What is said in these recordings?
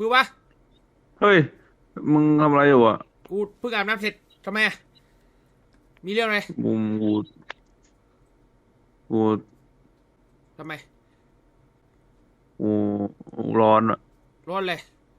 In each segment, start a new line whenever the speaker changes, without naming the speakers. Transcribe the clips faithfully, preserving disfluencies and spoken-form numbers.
คือวะ
เฮ้ยมึงทำอะไรอยู่อ่ะ
กูเพิ่งอาบน้ำเสร็จทำไมอะมีเรื่องอะไร
กูกูกู
ทำไม
กูร้อนอ่ะ
ร้อนเลย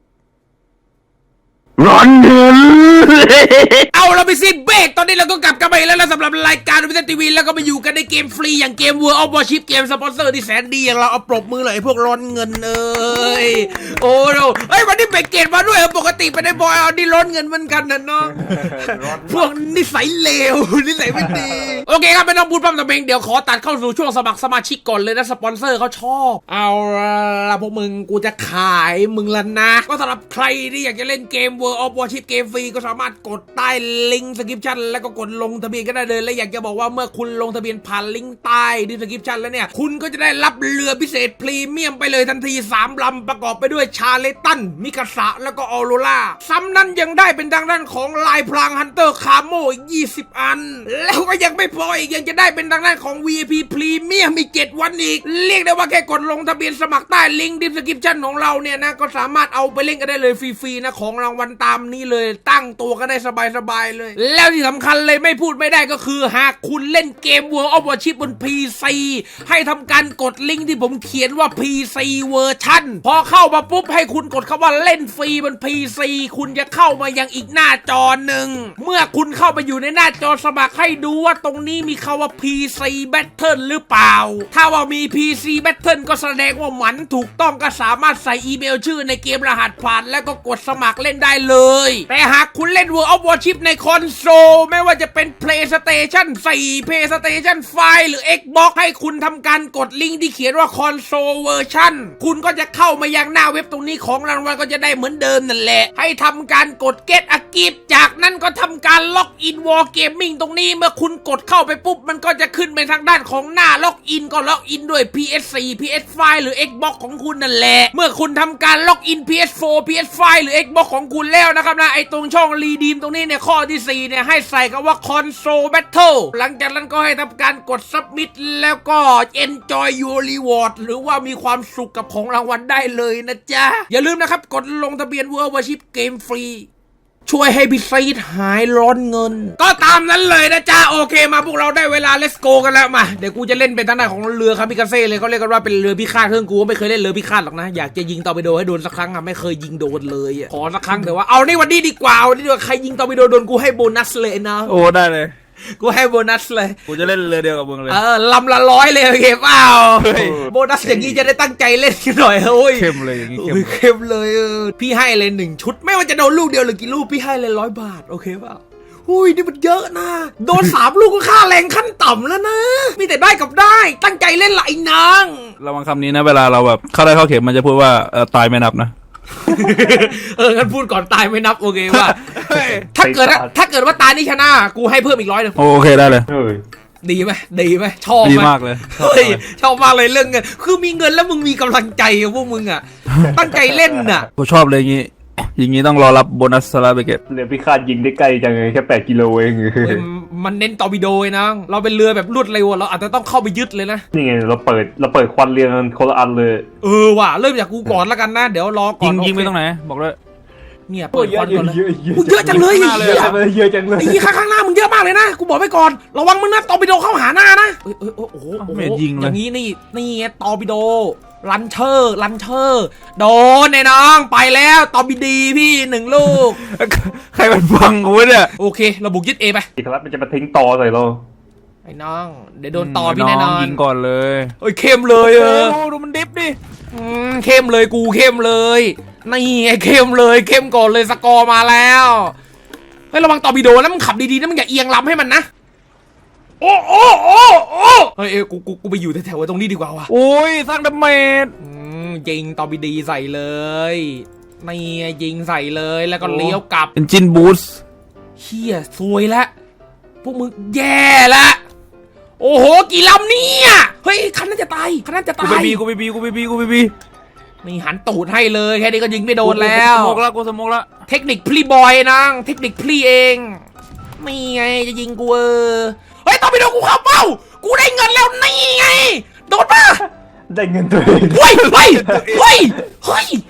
ร้อนเงิน
เอาเราไปซิดเบรกตอนนี้เราก็กลับกันไปแล้วนะสำหรับรายการวิทยทีวีแล้วก็มาอยู่กันในเกมฟรีอย่างเกม World of Warship เกมสปอนเซอร์ที่แสนดีอย่างเราเอาปรบมือเลยพวกร้อนเงินเอ้ยโอ้โหเฮ้ยวันนี้เบรกเกตมาด้วยปกติไปได้บอยเอานี่ร้อนเงินเหมือนกันนะน้องพวกนิสัยเลวนิสัยไม่ดีโอเคครับไม่ต้องพูดพร่ำทำเพลงเดี๋ยวขอตัดเข้าสู่ช่วงสมัครสมาชิกก่อนเลยนะสปอนเซอร์เขาชอบเอาละพวกมึงกูจะขายมึงแล้วนะก็สำหรับใครที่อยากจะเล่นเกม World of Warship เกมฟรีก็สามารถกดใต้ลิงก์สคริปชั่นแล้วก็กดลงทะเบียนก็ได้เลยและอยากจะบอกว่าเมื่อคุณลงทะเบียนผ่านลิงก์ใต้ดีสคริปชั่นแล้วเนี่ยคุณก็จะได้รับเรือพิเศษพรีเมียมไปเลยทันทีสามลำประกอบไปด้วยชาเลตันมิกาสะแล้วก็ออโรราซ้ำนั้นยังได้เป็นทางด้านของลายพลางฮันเตอร์คาโมอีกยี่สิบอันแล้วก็ยังไม่พออีกยังจะได้เป็นทางด้านของ วี ไอ พี พรีเมียมอีกเจ็ดวันอีกเรียกได้ว่าแค่กดลงทะเบียนสมัครใต้ลิงก์ดีสคริปชั่นของเราเนี่ยนะก็สามารถเอาไปเล่นกันได้เลยฟรีๆนะของรางวัลตามนี้เลยตั้งตัวก็ได้สบายๆเลยแล้วที่สำคัญเลยไม่พูดไม่ได้ก็คือหากคุณเล่นเกม World of Warship บน พี ซี ให้ทำการกดลิงก์ที่ผมเขียนว่า พี ซี เวอร์ชันพอเข้ามาปุ๊บให้คุณกดคำว่าเล่นฟรีบน พี ซี คุณจะเข้ามายังอีกหน้าจอหนึ่งเมื่อคุณเข้าไปอยู่ในหน้าจอสมัครให้ดูว่าตรงนี้มีคำว่า พี ซี Battle หรือเปล่าถ้าว่ามี พี ซี Battle ก็แสดงว่ามันถูกต้องก็สามารถใส่อีเมลชื่อในเกมรหัสผ่านแล้วก็กดสมัครเล่นได้เลยแต่หากคุณเล่น World of Warship ในคอนโซลไม่ว่าจะเป็น PlayStation โฟร์ PlayStation ไฟว์ หรือ Xbox ให้คุณทำการกดลิงก์ที่เขียนว่า Console Version คุณก็จะเข้ามายังหน้าเว็บตรงนี้ของรางวัลก็จะได้เหมือนเดิมนั่นแหละให้ทำการกด Get a Gift จากนั้นก็ทำการล็อกอิน War Gaming ตรงนี้เมื่อคุณกดเข้าไปปุ๊บมันก็จะขึ้นไปทางด้านของหน้าล็อกอินก็ล็อกอินด้วย พี เอส โฟร์ พี เอส ไฟว์ หรือ Xbox ของคุณนั่นแหละเมื่อคุณทำการล็อกอิน พี เอส โฟร์ พี เอส ไฟว์ หรือ Xbox ของคุณแล้วนะครับนะไอตรงช่องรีดีมตรงนี้เนี่ยข้อที่สี่เนี่ยให้ใส่คำว่า Console Battle หลังจากนั้นก็ให้ทำการกด Submit แล้วก็ Enjoy your reward หรือว่ามีความสุขกับของรางวัลได้เลยนะจ๊ะอย่าลืมนะครับกดลงทะเบียน World of Warship เกมฟรีช่วยให้พี่ซีดหายร้อนเงินก็ตามนั้นเลยนะจ๊ะโอเคมาพวกเราได้เวลา let's go กันแล้วมาเดี๋ยวกูจะเล่นเป็นทางด้านของเรือคามิกาเซ่เลยเขาเรียกกันว่าเป็นเรือพิฆาตเครื่องกูไม่เคยเล่นเรือพิฆาตหรอกนะอยากจะยิงตอร์ปิโดให้โดนสักครั้งอะไม่เคยยิงโดนเลยอะขอสักครั้งแต่ว่าเอานี่วันนี้ดีกว่าวันนี้ดีกว่าใครยิงตอร์ปิโดโดนกูให้โบนัสเลยนะ
โอ้ได้เลย
กูให้โบนัสเลย
กูจะเล่นเรือเดียวกับมึงเลย
เออลำละร้อยเลยโอเคเปล่าโบนัสอย่างนี้จะได้ตั้งใจเล่นกันหน่อยโอ้ย
เข้มเลยอย่างนี้
เข้มเลยเออพี่ให้เลยหนึ่งชุดไม่ว่าจะโดนลูกเดียวหรือกี่ลูกพี่ให้เลยร้อยบาทโอเคเปล่าอุ้ยนี่มันเยอะนะโดนสามลูกก็ค่าแรงขั้นต่ำแล้วนะมีแต่ได้กับได้ตั้งใจเล่นไหลนาง
ระวังคำนี้นะเวลาเราแบบเข้าได้เข้าเข็มมันจะพูดว่าเออตายไม่นับนะ
เอองั้นพูดก่อนตายไม่นับโอเคว่าถ้าเกิดถ้าเกิดว่าตายนี่ชนะกูให้เพิ่มอีกร้อยหนึ่ง
โอเคได้เลย
ดีไหมดีไหมชอบ
ดีมากเลย
เฮ้ยชอบมากเลยเรื่องเงินคือมีเงินแล้วมึงมีกำลังใจพวกมึงอ่ะตั้งใจเล่นอ่ะ
กูชอบเลยอย่างงี้อย่างงี้ต้องรอรับโบนัสสลาเบเกต
เรือพิฆาตยิงได้ใกล้จังเลยแค่แปดกิโลเอง
มันเน้นตอร์ปิโดนะเราเป็นเรือแบบรวดเร็วเราอาจจะต้องเข้าไปยึดเลยนะ
นี่ไงเราเปิดเราเปิดควันเรือกันคนละอันเลย
เออว่ะเริ่มจากกูก่อนแล้วกันนะเดี๋ยวรอก่อน
ยิงยิงไปตรงไหนบอกเลย
เนี่ยเปิดควันก่อนเลยกูเยอะจังเลย
เยอะเยอะจังเลย
ไอ้ยี่ข้างหน้ามึงเยอะมากเลยนะกูบอกไปก่อนระวังมึงนะตอร์ปิโดเข้าหาหน้านะเอ้ยเอ้ยโอ้โห
ไม่ยิงเลย
อย่างนี้นี่นี่ตอร์ปิโดลันเชอร์ลันเชอร์โดนไอ้น้องไปแล้วตอร์ปิดีพี่หนึ่งลูก
ใครมันฟังกูเนี่ย
โอเคเราบุกยึดเอไป
อีกครับมันจะมาทิ้งต่อใส่เรา
ไอ้น้องเดี๋ยวโดนต่อพี่แน่นอน
ยิงก่อนเลย
เอ้ยเข้มเลยเออ
ดูมันดิฟดิ
เข้มเลยกูเข้มเลยนี่ไอ้เข้มเลยเข้มก่อนเลยสกอร์มาแล้วเฮ้ยระวังตอร์ปิโดแล้วมึงขับดีๆนะมึงอย่าเอียงลำให้มันนะโอ้โอ้โอ้โอ้เฮ้ยกูกูกูไปอยู่แถวๆตรงนี้ดีกว่าว่ะ
โอ้ยสร้างดาเมจ
ยิงตอร์ปิโดใส่เลยนี่ยิงใส่เลยแล้วก็เลี้ยวกลับ
เป็นจินบูส
เฮียซวยละพวกมึงแย่ละโอ้โหกี่ลำเนี่ยเฮ้ยคันนั้นจะตายคันนั้นจะตาย
กูไปบีกูไปบีกูไปบีกูไปบี
นี่หันตูดให้เลยแค่นี้ก็ยิงไม่โดนแล้ว
สมกละกูสมกละ
เทคนิคพลีบอยนังเทคนิคพลีเองนี่ไงจะยิงกูเออเฮ้ยตอร์ปิโดกูเข้าเป้ากูได้เงินแล้วนี่ไงโดนป่ะ
ได้เงินตัวเอง
เฮ้ยเฮ้ยเฮ้ยเฮ้ย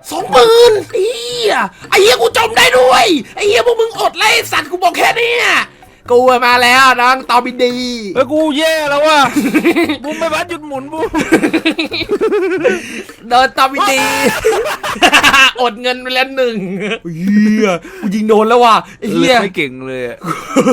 สองหมื่นไอ้เหี้ยไอ้เหี้ยกูจมได้ด้วยไอ้เหี้ยพวกมึงอดไล่สัตว์กูบอกแค่นี้กูมาแล้วน้องตอบินดี
เฮ้ยกูแย่แล้วว่ะ บูมไม่บัดหยุดหมุนบูม
เดินตอบินดี อดเงินไปแล้วหนึ่งเหี้ยกูยิงโดนแล้วว่ะไอ้เหี้ย
ไม่เก่งเลยอะ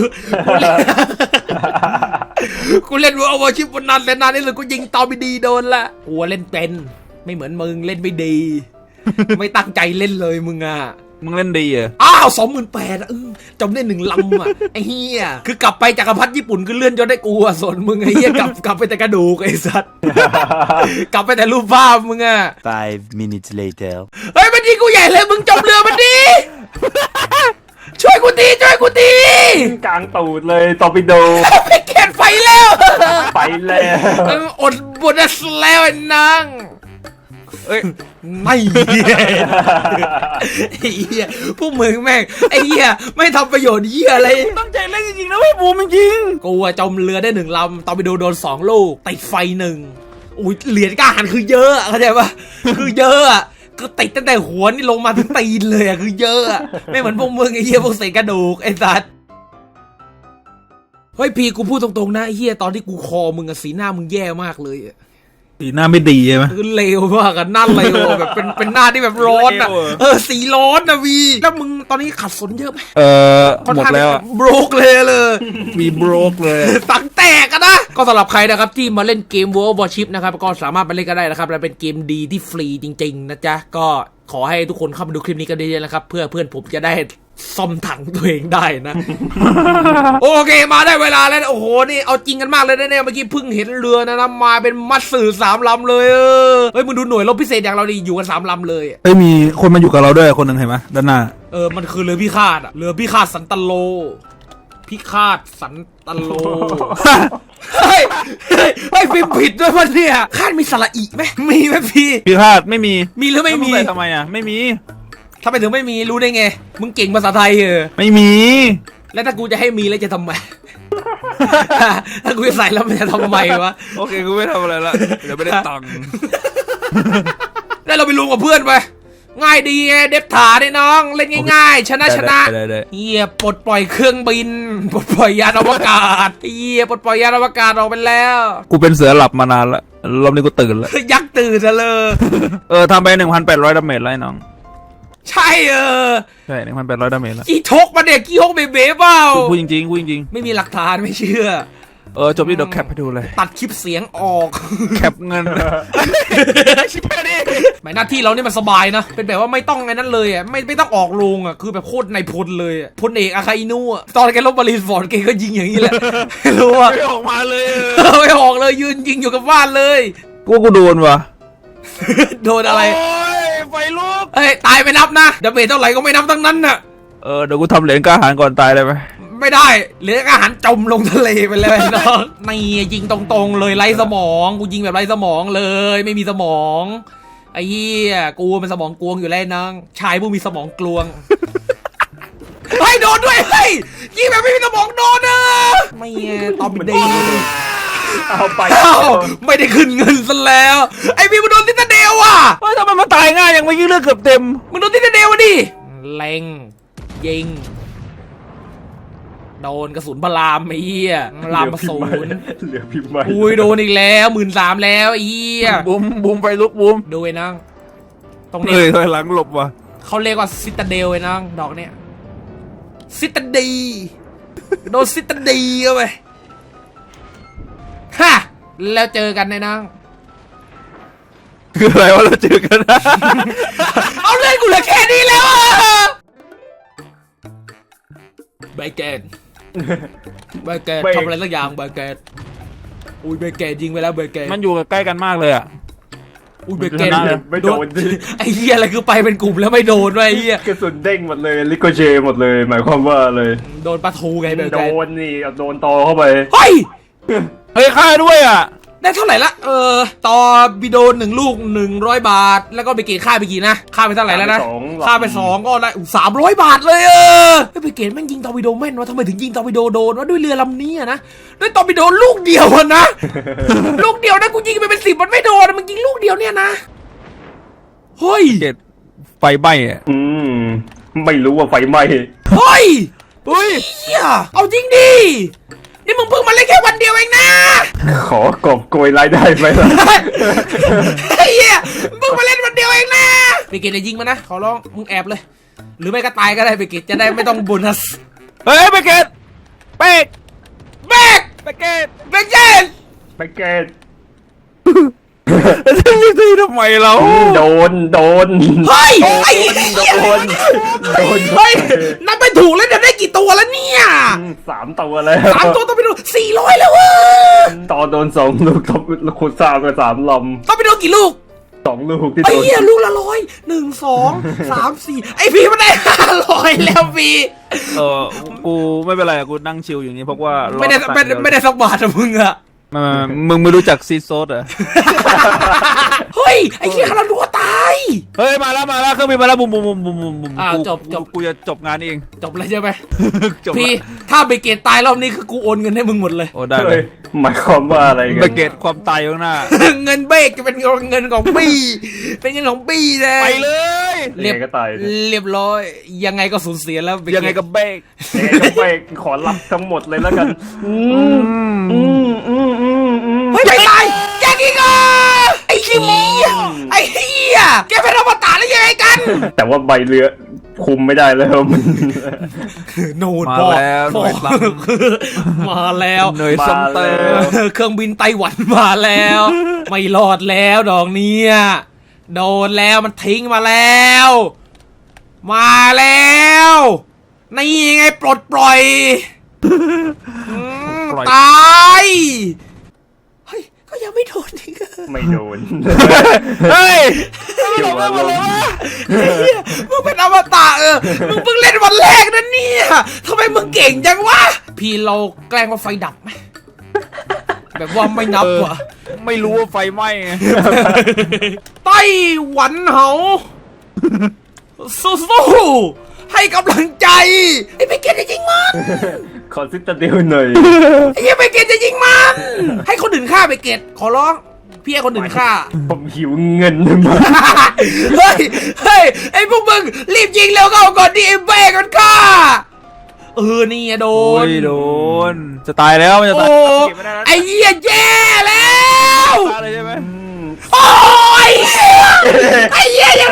กูเล่นวัววอชิปวันนั้นแล้วนานนี่เลยกูยิงตอบินดีโดนละกูเล่นเป็นไม่เหมือนมึงเล่นไม่ดี ไม่ตั้งใจเล่นเลยมึงอ่ะ
มึงเล่นดีอ่ะ
อ้าวสองหมื่นแปดจำได้หนึ่งลำอ่ะ ไอ้เหี้ยคือกลับไปจักรพรรดิญี่ปุ่นคือเลื่อนจนได้กูอ่ะส่วนมึงไอ้เหี้ยกลับกลับไปแต่กระดูกไอ้สัตว์ กลับไปแต่รูปภาพมึงอ่ะ
Five minutes later.
เฮ้ยมันยิงกูใหญ่เลยมึงจมเรือมันดิ ช่วยกูทีช่วยกูที
กลางตูดเลยตอร์ปิโด
ไปเก็บไฟแล้ว
ไปแล้ว
เอออดบนแล้วไอ้นาง
เอ้ย
ไม่เหี้ยไอ้เหี้ยพวกมึงแม่งไอ้เหี้ยไม่ทำประโยชน์เหี้ยอะไร
ตั้งใจเล่นจริงๆนะเว้ยบูมจริง
กูอะจมเรือได้หนึ่งลำตอนไปดูโดนสองลูกติดไฟหนึ่งอุ้ยเหรียญกล้าหันคือเยอะอะเข้าใจปะคือเยอะอะคือติดตั้งแต่หัวนี่ลงมาถึงตีนเลยอะคือเยอะอะไม่เหมือนพวกมึงไอ้เหี้ยพวกเศษกระดูกไอ้สัสเฮ้ยพี่กูพูดตรงๆนะไอ้เหี้ยตอนที่กูคอมึงอะสีหน้ามึงแย่มากเลยอะ
ๆสีหน้าไม่ดีใช่ไหม
คือเลวมากอะหน้าเลวอะแบบเป็นเป็นหน้าที่แบบร้อนอะ
เลวอะ
เออสีร้อนอะวีแล้วมึงตอนนี้ขัดสนเยอะไหม
เออหมดแล้วอะ
โบรกเลยเลย
มีโบรกเลย
ตังแตกกันนะก็สำหรับใครนะครับที่มาเล่นเกม World of Warship นะครับก็สามารถไปเล่นกันได้นะครับและเป็นเกมดีที่ฟรีจริงๆนะจ๊ะก็ขอให้ทุกคนเข้ามาดูคลิปนี้กันเยอะๆนะครับเพื่อเพื่อนผมจะได้ซ่อมถังตัวเองได้นะ โอเคมาได้เวลาแล้วโอ้โหนี่เอาจริงกันมากเลยนะเนี่ยเมื่อกี้เพิ่งเห็นเรือนะนะมาเป็นมัดสื่อสามลำเลยเออเฮ้ยมึงดูหน่วยรบพิเศษอย่างเราดิอยู่กันสามลำเลย
เฮ้ยมีคนมาอยู่กับเราด้วยคนหนึ่งเห็นไหมด้านหน้า
เออมันคือเรือพิฆาตอะเรือพิฆาตสันตโลพิฆาตสันตโล เฮ้ยเฮ้ยเฮ้ยพิมพ์ผิดด้วยวะเนี่ยคาดมีสระอีไหมมีไหมพี่
พี่พาดไม่มี
มีหรือไม่มี
แล้วงใส่ทำไมอ่ะไม่มี
ทำไมถึงไม่มีรู้ได้ไงมึงเก่งภาษาไทยเออ
ไม่มี
แล้วถ้ากูจะให้มีแล้วจะทำไม ถ้ากูจะใส่แล้วมันจะทำไมวะ
โอเคกูไม่ทำอะไรละเดี๋ยวไม่ได้ตังค์
แล้วเราไปรวมกับเพื่อนไปง่ายดีไงเด็บถาได้น้องเล่นง่ายๆชนะชนะ
ได้ได้
เฮียปลดปล่อยเครื่องบินปลดปล่อยยานอวกาศเฮียปลดปล่อยยานอวกาศออกไปแล้ว
กูเป็นเสือหลับมานานละรอบนี้กูตื่นแล้ว
ยักษ์ตื่นซะเลย
เออทำไปหนึ่งพันแปดร้อยดาเมจแล้วไอ้น้อง
ใช่เออ
ใช่หนึ่งพันแปดร้อยดาเมจแล้ว
กี่ทกมาเด็กกี่ฮกเบเบ้เปล่า
พูดจริงๆพูดจริง
ไม่มีหลักฐานไม่เชื่อ
ๆเออจบที่เดี๋ยวแคปให้ดูเลย
ตัดคลิปเสียงออก
แคปเงิน ชิบหายดิ
หมายหน้าที่เรานี่มันสบายนะ เป็นแบบว่าไม่ต้องไงนั้นเลยอ่ะ ไม่ไม่ต้องออกโรงอ่ะ คือแบบโคตรในพลเลยอ่ะพลเอกอาคาอินุอ่ะ ตอนแกลบมารีนฟอร์ดแกก็ยิงอย่างนี้แหละ ไม่รู้อ่ะ
ไม่ออกมาเลย
ไม่ออกเลยยืนยิงอยู่กับบ้านเลย
กูกูโดนว่ะ
โดนอะไร
โอ้ยไฟลุก
เอ้ยตายไปนับนะดาเมจเท่าไหร่ก็ไม่นับทั้งนั้นน่ะ
เออเดี๋ยวกูทำเหรียญกล้าหาญก่อนตายได้ไหม
ไม่ได้เหลืออาหารจมลงทะเลไปเลยน้องนี่ยิงตรงๆเลยไร้สมองกูยิงแบบไร้สมองเลย ไม่มีสมองไอ้เหี้ยกูเป็นสมองกลวงอยู่แล้วน้องชายผู้มีสมองกลวง เฮ้ยโดนด้วยเฮ้ยยิงแบบไม่มีสมองโดนเออไม่ไงตอบดี
เอาไป
เอ้าไม่ได้ขึ้นเงินซะแล้วไอ้พี่มึงโดนทิตาเดลว่ะ
เฮ้ยทำไมมันตายง่ายอย่างเมื่อกี้เลือดเกือบเต็ม
มึงโดนทิตาเดลวะดิเล็งยิงโดนกระสุนพลามไอ้เหี้ยพลามมาศูนย์
เหลือพิมพ์ใหม่
อุ้ยโดนอีกแล้วหมื่นสามแล้วไอ้เหี้ย
บุ้มบุ้มไฟลุกบุ้ม
ดูไอ้นังตรงนี้
เฮ้ยถอยหลังหลบว่ะ
เขาเรียกว่าซิตาเดลไอ้นังดอกเนี้ยซิตาดีโดนซิตาดีเข้าไปฮะแล้วเจอกันไอ้นัง
คืออะไรวะเราเจอกันนะ
เอาเล่นกูเหลือแค่นี้แล้วอะเบเกนเบเกนทำอะไรสักอย่างเบเกนอุ้ยเบเกนยิงไปแล้วเบเกน
มันอยู่ใกล้กันมากเลยอ่ะ
อุ้ยเบเกน
ไม่โดนดิ
ไอ้เหี้ยอะไรคือไปเป็นกลุ่มแล้วไม่โดนด้วยไอ้เหี้ย
กระสุนเด้งหมดเลยลิโกเจหมดเลย หมายความว่าเลย
โดนปลาทูไงเบ
โด
เกน
นนี่เอาโดนตอเข้าไป
เฮ้ย
เฮ้ยฆ่าด้วยอ่ะ
ได้เท่าไหร่ละเออต่อบิโดนหนึ่งลูกหนึ่งร้อยบาท แล้วก็ไปเกตค่าไปกี่นะค่าไปเท่าไหร่แล้วนะค่าไปสองก็ได้สามร้อยบาทเลยเออไปเกตแม่งยิงตอร์ปิโดแม่นวะทำไมถึงยิงตอร์ปิโดโดนวะด้วยเรือลำนี้อะนะด้วยตอร์ปิโดลูกเดียวอะนะ ลูกเดียวนะกูยิงไปเป็นสิบมันไม่โดนมึงยิงลูกเดียวเนี่ยนะเฮ้ย
เกตไฟไหม้อะ
อืมไม่รู้ว่าไฟไหม้
เฮ้ย
เฮ้ย
เฮียเอาจริงดิ นี่มึงเพิ่งมาเล่นแค่วันเดียวเองนะ
ขอกอบโกยรายได้ไหมล่ะ
ไอ้เฮียมึงเพิ่งมาเล่นวันเดียวเองนะเบเกตจะยิงมานะ ขอร้อง มึงแอบเลย หรือไม่ก็ตายก็ได้เบเกตจะได้ไม่ต้องโบนัส
เฮ้ยไปเกตเป๊ก
เบก
ไปเกต
เบเกต
ไปเกต
จะไม่ตีทำไมเรา
โดนโดน
เฮ้ยไอ้
โด
เหี้ย
นโดน
เฮ้ยนับไปถูกแล้วจะได้กี่ตัวแล้วเนี่ย
สามตัวแล้ว
สามตัวต้องไปดูสี่ร้อยแล้วเว้ย
ต่อโดนสองลูกทบขุดสามกับสามล
ต้องไปดูกี่ลูก
ำสองลูกที่
ไอ้
โดน
เหี้ยลูกละร้อยหนึ่งสองสามสี่ไอ้พี่มันได้ห้าร้อยแล้วพี่
เออกูไม่เป็นไรอะกูนั่งชิลอย่างนี้เพราะว่า
ไม่ได้
รอ
ไม่ได้ไม่ได้สักบาทอะมึงอะ
ไม่ไม่ไม่มึงไม่รู้จักซีโซดเหรอ
เฮ้ยไอ้เหี้ยคาราดัวตาย
เฮ้ยมาแล้วมาแล้วเครื่องบินมาแล้วบุมบุมบุมบุมบุมบุม
อ้าว
กู
จบจบ
กูจะจบงานเอง
จบเลยใช่ไหม
จบ
พี่
ละ
ถ้าเบเกตตายรอบนี้คือกูโอนเงินให้มึงหมดเลย
โอ้ได้เล
เฮ้
ย
ยหมายความว่าอะไรกั
ไปเกตความตายอยู่ข้างหน้า
เงินเบกจะเป็นเงินของปี้เป็นเงินของปี้เลย
ไปเลย
เรียบ
ยังไงก็ตาย
เรียบร้อยยังไงก็สูญเสียแล้วเบเกต
ยังไงกับเบก
ยังไงก็ไปขอรับทั้งหมดเลยแล้วกัน อืมอืมอืมอืมอืม
เฮ้ยไม่ตายแกกิงอ่ะไอ้ขี้โมไอ้เหี้ยแกเป็นอมตะแล้วยังไงกัน
แต่ว่าใบเรือคุมไม่ได้แล้วมัน
โน่น
มา
พ่อ
แล้วห
พ่อ
น่วยซ้
มาแล้ว
ำหน่วยซ้ำเติม
เครื่องบินไต้หวันมาแล้ว ไม่รอดแล้วดอกเนี้ยโดนแล้วมันทิ้งมาแล้ว มาแล้วนี่ไงปลดปล่อยอืม
ปล่อย
ตายเฮ้ยก็ยังไม่โดนอีกอะ
ไม่โดน
เฮ้ย
เกี่ยวกับลม
เฮียมึงเป็นอมตะเออมึงเพิ่งเล่นวันแรกนะเนี่ยทำไมมึงเก่งจังวะพี่เราแกล้งว่าไฟดับไหมแบบว่าไม่นับว่ะ
ไม่รู้ว่าไฟไหม้ไง
ไต้หวันเหาสู้ๆให้กำลังใจไอ้ไปเกตจะยิงมัน
ขอซิตาเดียวหน่อย
ไอ้เหี้ยไปเกตจะยิงมันให้คนอื่นฆ่าไปเกตขอร้องพี่ให้คนอื่นฆ่า
ผมหิวเงินมาก
เฮ้ยเฮ้ยไอ้พวกมึงรีบยิงเร็วเข้าก่อนดิไอ้เบ้กันฆ่าเออนี่ไงโด
โอ้
น
ยโดน จะตายแล้วมันจะ
โอ้
ตายเก็บไม่ได้แล้ว
ไอ้เหี้ยแย่แล้ว
ตายเลยใช่ไหม
โอ้ยไอ้เหี้ยยัง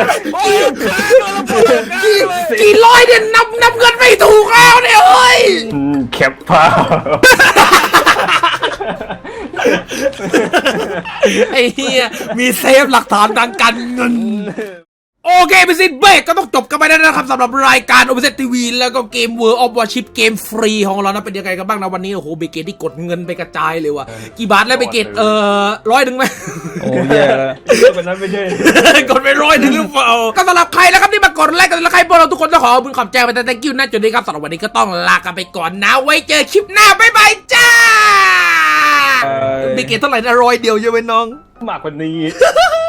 กี่กี่ร้อยเนี่ยนับนับเงินไม่ถูกแล้วเนี่ยเฮ้ย
อืมแคปภาพ
ไอ้เหี้ยมีเซฟหลักฐานทางการเงินโอเคไปสิเบรกก็ต้องจบกันไปแล้วนะครับสำหรับรายการ Open ที วี แล้วก็เกม World of Warship เกมฟรีของเรานะเป็นยังไงกันบ้างนะวันนี้โอ้โหเบเกตที่กดเงินไปกระจายเลยว่ะกี่บาทแล้วเบเกตเอ่อร้อยหนึ่งไหม
โอ้แย่แล้ว
วันนั้นไม่ใช่
กดไปร้อยหนึ่งหรือเปล่าก็สำหรับใครแล้วครับที่มากดไลค์กันแล้วใครพวกเราทุกคนต้องขอขอบคุณขอบใจไปแต่ thank you นะจุดนี้ครับสำหรับวันนี้ก็ต้องลากันไปก่อนนะไว้เจอคลิปหน้าบ๊ายบายจ้าเบเกตเท่าไหร่นะร้อยเดียวใช่ไหมน้อง
มากกว่านี้